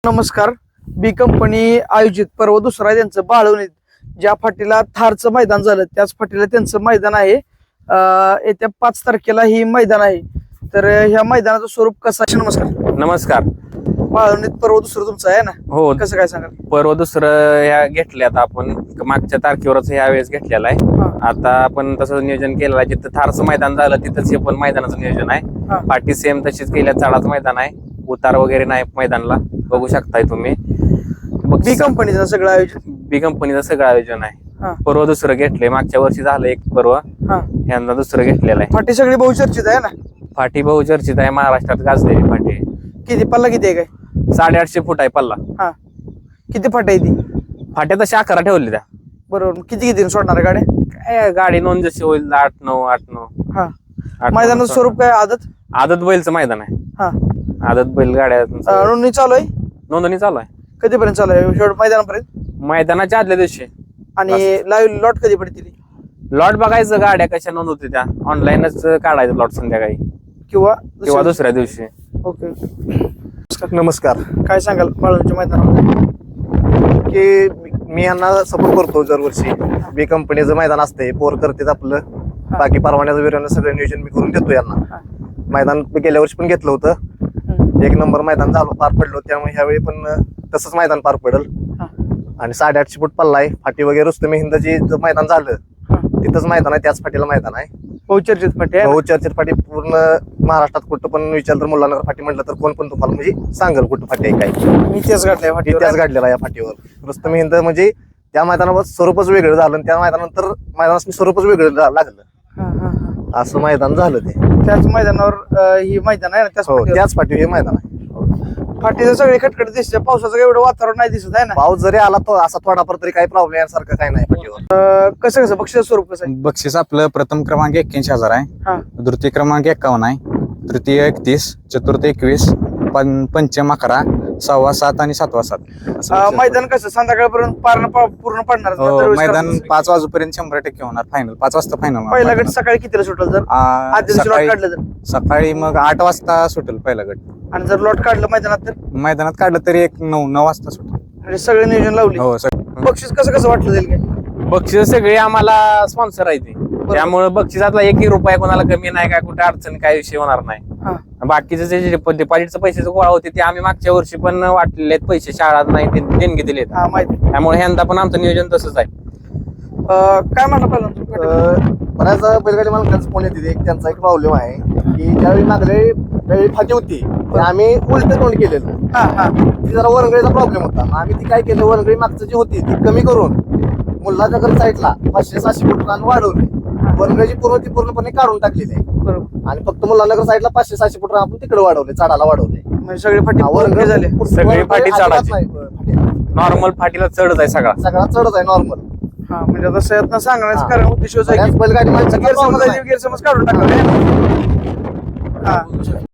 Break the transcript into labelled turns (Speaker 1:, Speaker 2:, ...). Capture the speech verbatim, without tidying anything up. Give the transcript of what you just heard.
Speaker 1: नमस्कार. बी कंपनी आयोजित पर्व दुसरा आहे त्यांचं बाळवणीत. ज्या फाटीला थारचं मैदान झालं त्याच फाटीला त्यांचं मैदान आहे. अं, येत्या पाच तारखेला ही मैदान आहे. तर ह्या मैदानाचं स्वरूप कसं आहे? नमस्कार.
Speaker 2: नमस्कार.
Speaker 1: बाळवणीत पर्व दुसरं तुमचं आहे ना?
Speaker 2: हो,
Speaker 1: कसं काय सांगाल?
Speaker 2: पर्व दुसरं ह्या घेतल्यात आपण मागच्या तारखेवरच ह्या वेळेस घेतलेला आहे.
Speaker 1: हा.
Speaker 2: आता आपण तसं नियोजन केलेलं आहे. जिथं थारचं मैदान झालं तिथंच हे पण मैदानाचं नियोजन
Speaker 1: हा.
Speaker 2: आहे. पाठी सेम तशीच केल्या, चाळाचं मैदान आहे, उतार वगैरे नाही मैदानला, बघू शकताय तुम्ही.
Speaker 1: बी कंपनीचं सगळं आयोजन
Speaker 2: बी कंपनीचं सगळं आयोजन आहे.
Speaker 1: हा.
Speaker 2: पर्व दुसरं घेतलंय, मागच्या वर्षी झालं एक पर्व,
Speaker 1: हा.
Speaker 2: यंदा दुसरं घेतलेलं आहे.
Speaker 1: फाटी सगळी बहुचर्चित आहे ना?
Speaker 2: फाटी बहुचर्चित आहे, महाराष्ट्रात गाजलेली फाटी आहे.
Speaker 1: किती पल्ला किती आहे काय?
Speaker 2: साडेआठशे फूट आहे पल्ला.
Speaker 1: हा. किती फाटी आहे ती?
Speaker 2: फाट्या तशा अकरा ठेवली त्या.
Speaker 1: बरोबर. किती किती सोडणार आहे गाड्या?
Speaker 2: काय गाडी नोंद जशी होईल आठ नऊ आठ नऊ
Speaker 1: हा.
Speaker 2: आठ
Speaker 1: मैदानाचं
Speaker 2: नऊ
Speaker 1: स्वरूप काय? आदत?
Speaker 2: आदत बैलचं मैदान आहे.
Speaker 1: हा.
Speaker 2: आदत बैल गाड्या
Speaker 1: अं, नोंदणी चालू आहे?
Speaker 2: नोंदणी चालू आहे
Speaker 1: कधीपर्यंत चालू आहे? शेवट मैदानापर्यंत?
Speaker 2: मैदानाच्या आदल्या दिवशी.
Speaker 1: आणि लाईव्ह लॉट कधी पडतील?
Speaker 2: लॉट बघायचं गाड्या कशा नोंद होते त्या, ऑनलाईनच काढायचं लॉट संध्याकाळी
Speaker 1: किंवा
Speaker 2: किंवा दुसऱ्या दिवशी.
Speaker 1: ओके.
Speaker 3: नमस्कार.
Speaker 1: काय सांगाल बाळूंच्या मैदानामध्ये?
Speaker 3: की मी यांना सपोर्ट करतो दरवर्षी. बी कंपनीचं मैदान असते, पोर करतेच आपलं, बाकी परवान्याचं विरानं सगळं नियोजन मी करून देतो यांना. मैदान गेल्या वर्षी पण घेतलं होतं, एक नंबर मैदान झालं, पार पडलो. त्यामुळे ह्यावेळी पण तसंच मैदान पार पडल. आणि साडेआठशे फूट पल्ला आहे. फाटी वगैरे रुस्तमी हिंदची मैदान झालं तिथंच मैदान आहे, त्याच फाटीला मैदान आहे.
Speaker 1: बहुचर्चित फाटी आहे.
Speaker 3: बहुचर्चित फाटी पूर्ण महाराष्ट्रात कुठं पण विचारलं तर मुलांना फाटी म्हटलं तर कोण पण तुम्हाला म्हणजे सांगल कुठं फाटी आहे काय.
Speaker 1: मी इतिहास घडलाय फाटी.
Speaker 3: इतिहास घडलेला या फाटीवर. रुस्तमी हिंद म्हणजे त्या मैदानावर स्वरूपच वेगळं झालं आणि त्या मैदानानंतर मैदानात स्वरूपच वेगळं लागलं, असं मैदान झालं ते.
Speaker 1: त्याच मैदानावर अं, ही मैदान आहे ना? त्याच
Speaker 3: हो,
Speaker 1: फाटीवर.
Speaker 3: त्याच फाटीवर हे मैदान आहे.
Speaker 1: फाटीचं सगळे खटखट दिसते. पावसाचं एवढं वातावरण नाही दिसत आहे ना?
Speaker 3: पाऊस जरी आला तो असा थोडाफार तरी काही प्रॉब्लेम यासारखं काही नाही फाटीवर.
Speaker 1: अं, कसं कसं बक्षीस स्वरूप कसं आहे?
Speaker 4: बक्षीस आपलं प्रथम क्रमांक एक्क्याऐंशी हजार आहे,
Speaker 1: हा.
Speaker 4: द्वितीय क्रमांक एक्कावन्न आहे, तृतीय एकतीस, चतुर्थ एकवीस, पं पंचम अकरा, सहावा सात आणि सातवा सात असं
Speaker 1: अं,
Speaker 4: बक्षीस
Speaker 1: मैदान कसं संध्याकाळपर्यंत पार पूर्ण पडणार?
Speaker 4: हो,
Speaker 1: दरवेळेस
Speaker 4: मैदान
Speaker 1: करतात.
Speaker 4: पाच वाजेपर्यंत शंभर टक्के होणार. फायनल पाच वाजता फायनल.
Speaker 1: पहिला गट सकाळी कितीला सुटेल जर आदल्या दिवशी लॉट काढलं तर?
Speaker 4: सकाळी मग आठ वाजता सुटेल पहिला गट.
Speaker 1: आणि जर लॉट काढलं मैदानात तर?
Speaker 4: मैदानात काढलं तरी एक नऊ नऊ वाजता सुटेल.
Speaker 1: म्हणजे सगळे नियोजन लावले.
Speaker 4: हो सगळं.
Speaker 1: बक्षीस कसं कसं वाटलं जाईल काय?
Speaker 2: बक्षीस सगळे आम्हाला स्पॉन्सर आहे ते, त्यामुळे बक्षिसातला एकही रुपया कोणाला कमी नाही, काय कुठे अडचण काय विषय होणार
Speaker 1: हा.
Speaker 2: नाही. बाकीचे जे डिपॉझिटचे पैसे गोळा होते ते आम्ही मागच्या वर्षी पण वाटलेले आहेत पैसे, शाळा नाही ते देणगी दिलेत.
Speaker 1: हा, माहिती.
Speaker 2: त्यामुळे यंदा पण आमचं नियोजन तसंच आहे.
Speaker 1: अं, काय म्हणलं पहिलं?
Speaker 3: अं, बऱ्याच बैलगाडी मालकांचा फोन येते. एक त्यांचा एक प्रॉब्लेम आहे की ज्यावेळी मागले वेळी फाटी होती तर आम्ही उलट तोंड केलेलं.
Speaker 1: हा हा
Speaker 3: ती जरा वरंगळीचा प्रॉब्लेम होता. मग आम्ही ती काय केलं, वरंगळी मागचं जी होती ती कमी करून मुल्लानगर साईडला पाचशे सहाशे फूट रान वाढवले. वरंगळीची पूर्ण ती पूर्णपणे काढून टाकलेली आहे
Speaker 1: बरोबर.
Speaker 3: आणि फक्त मुल्लानगर साईडला पाचशे सहाशे फूट रान आपण तिकडे वाढवले, चाडाला वाढवले.
Speaker 1: म्हणजे सगळे फाटी
Speaker 3: वरंगळी
Speaker 1: पूर्ण झाले.
Speaker 2: सगळी फाटी
Speaker 3: अजिबात
Speaker 2: चढायची.
Speaker 3: नाही, फाटी.
Speaker 2: नॉर्मल फाटीला चढच आहे सगळा.
Speaker 3: सगळा चढच आहे नॉर्मल.
Speaker 1: हा, म्हणजे आता सयत्न सांगण्याचं
Speaker 3: हा.
Speaker 1: कारण उद्देश होता
Speaker 3: बऱ्याच
Speaker 1: की
Speaker 3: बैलगाडी माणसाचा
Speaker 1: गैरसमज
Speaker 3: problem
Speaker 1: आहे,
Speaker 3: आहे.
Speaker 1: गैरसमज काढून टाकले. हा.